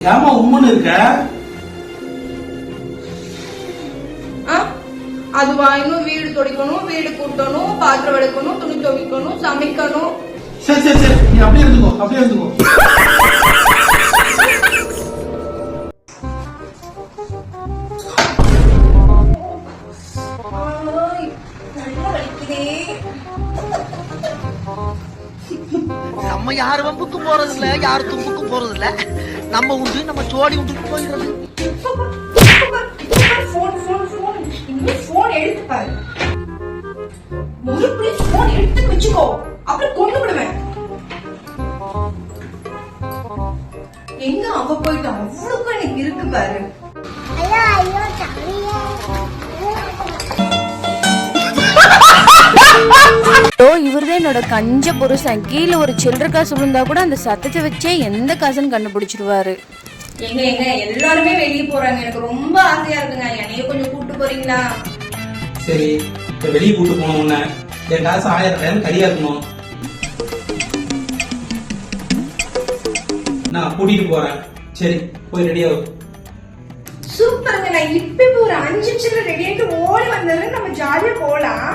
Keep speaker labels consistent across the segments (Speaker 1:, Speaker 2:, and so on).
Speaker 1: ஏமா உம்மன்னு இருக்க?
Speaker 2: அதுவா இன்னும் வீடு துடைக்கணும், வீடு கூட்டணும், பாத்திரம் விளக்கணும், துணி துவைக்கணும், சமைக்கணும்.
Speaker 1: சரி சரி சரி, நீ அப்படியே இருந்துக்கோ, அப்படியே இருந்துக்கோ.
Speaker 3: நம்ம யாரு வம்புக்கும் போறது இல்ல, யாரு தும்புக்கும் போறது இல்ல. நம்ம உண்டு, நம்ம சோடி உண்டு போயிடுறது.
Speaker 2: போன் எடுத்து பாரு, முழுப்படி போன் எடுத்து வச்சுக்கோ, அப்புறம் கொண்டு விடுவேன். எங்க அவ போயிட்டு அவ்வளவுக்கு எனக்கு இருக்கு பாரு.
Speaker 4: இவர்தான் என்னோட கஞ்ச புருஷன். கீழே ஒரு சில்லற காசு விழுந்தா கூட அந்த சத்தத்தை வச்சே எந்த காசுன்னு கண்டுபிடிச்சிருவாரு.
Speaker 2: எங்க எங்க எல்லாருமே வெளியே போறாங்க, எனக்கு ரொம்ப ஆசையா இருக்குங்க. என்னைய கொஞ்சம் கூட்டு போறீங்களா?
Speaker 1: சரி, இப்ப வெளியே கூட்டு போனோம். உன்ன என் காசு 1000 கரியா இருக்கணும். நான் கூட்டிட்டு போறேன். சரி, போய் ரெடியாகும்.
Speaker 2: சூப்பருங்க. நான் இப்ப ஒரு 5 நிமிஷத்துல ரெடி ஆயிட்டு ஓடி வந்ததுல நம்ம ஜாலியா போலாம்.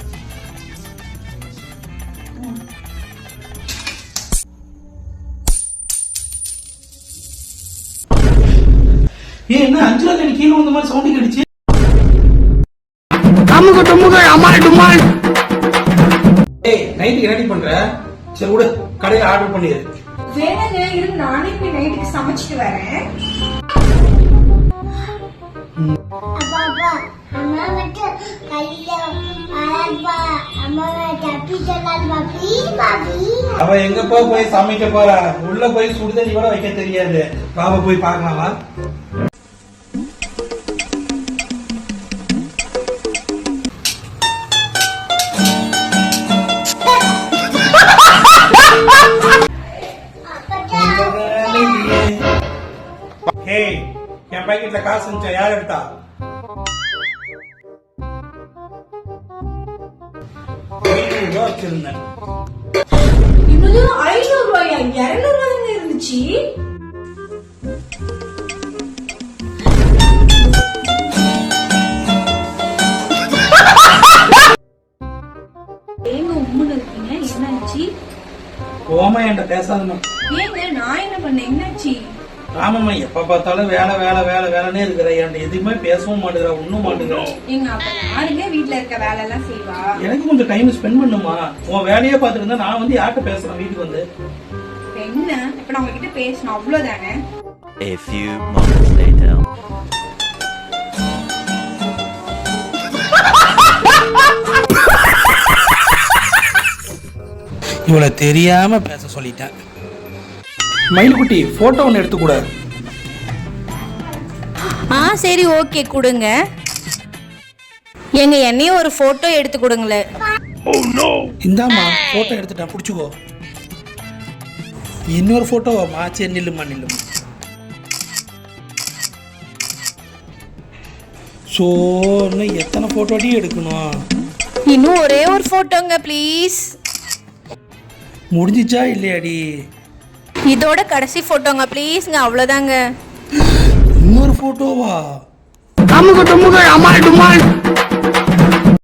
Speaker 1: என்ன 5 ரூபா கீழே வந்த மாதிரி சவுண்டிங் அடிச்சு? ஏய், நைட்டுக்கு ரெடி பண்ற? சரி விடு, கடையில ஆர்டர் பண்ணிடு.
Speaker 2: வேணாங்க, இரு நானே போய் நைட்டுக்கு சமைச்சிட்டு வரேன்.
Speaker 1: அவ எங்க போய் சமைக்க போறா? உள்ள போய் சுடுதண்ணி கூட வைக்க தெரியாது. பாபா போய் பாக்கலாமா? என் பாக்கெட்ல காசு இருந்துச்சா? யார் எடுத்தா? வச்சிருந்தேன்.
Speaker 2: 500 ரூபாயா? 200 ரூபாய் இருந்துச்சு. ஏங்க உம்முன்னு இருக்கீங்க, என்னாச்சு?
Speaker 1: ஓமா என்கிட்ட பேசாதமா.
Speaker 2: ஏங்க நான் என்ன பண்ணேன், என்னாச்சு?
Speaker 1: ஆமாம்மா, எப்ப பார்த்தாலும் வேலை வேலை வேலை வேலைன்னே இருக்கிற. என்கிட்ட எதுவுமே பேசவும் மாட்டேங்கிற, ஒண்ணும் மாட்டேங்கிற.
Speaker 2: எங்க அப்ப யாருங்க வீட்டுல இருக்க வேலை எல்லாம் செய்வா?
Speaker 1: எனக்கு கொஞ்சம் டைம் ஸ்பெண்ட் பண்ணுமா? உன் வேலையே பாத்துட்டு இருந்தா நான் வந்து யார்கிட்ட பேசுறேன் வீட்டுக்கு வந்து?
Speaker 2: என்ன இப்ப நான் உங்ககிட்ட பேசணும், அவ்வளவுதானே?
Speaker 5: A few moments later.
Speaker 1: இவளை தெரியாம பேச சொல்லிட்டேன். மயில்குட்டி, போட்டோ ஒன்னு எடுத்து கூட.
Speaker 4: சரி ஓகே, கொடுங்க. எங்க என்னையும் ஒரு போட்டோ எடுத்து கொடுங்களேன்.
Speaker 1: இந்தாமா, போட்டோ எடுத்துட்டேன், புடிச்சுக்கோ. இன்னொரு போட்டோவாமா? சரி நில்லுமா நில்லுமா. சோ இன்னும் எத்தனை போட்டோ அடி எடுக்கணும்?
Speaker 4: இன்னும் ஒரே ஒரு போட்டோங்க ப்ளீஸ்.
Speaker 1: முடிஞ்சிச்சா இல்லையாடி?
Speaker 4: இதோட கடைசி போட்டோங்க ப்ளீஸ்ங்க, அவ்வளவுதாங்க.
Speaker 1: இன்னொரு போட்டோவா?
Speaker 3: அம்மா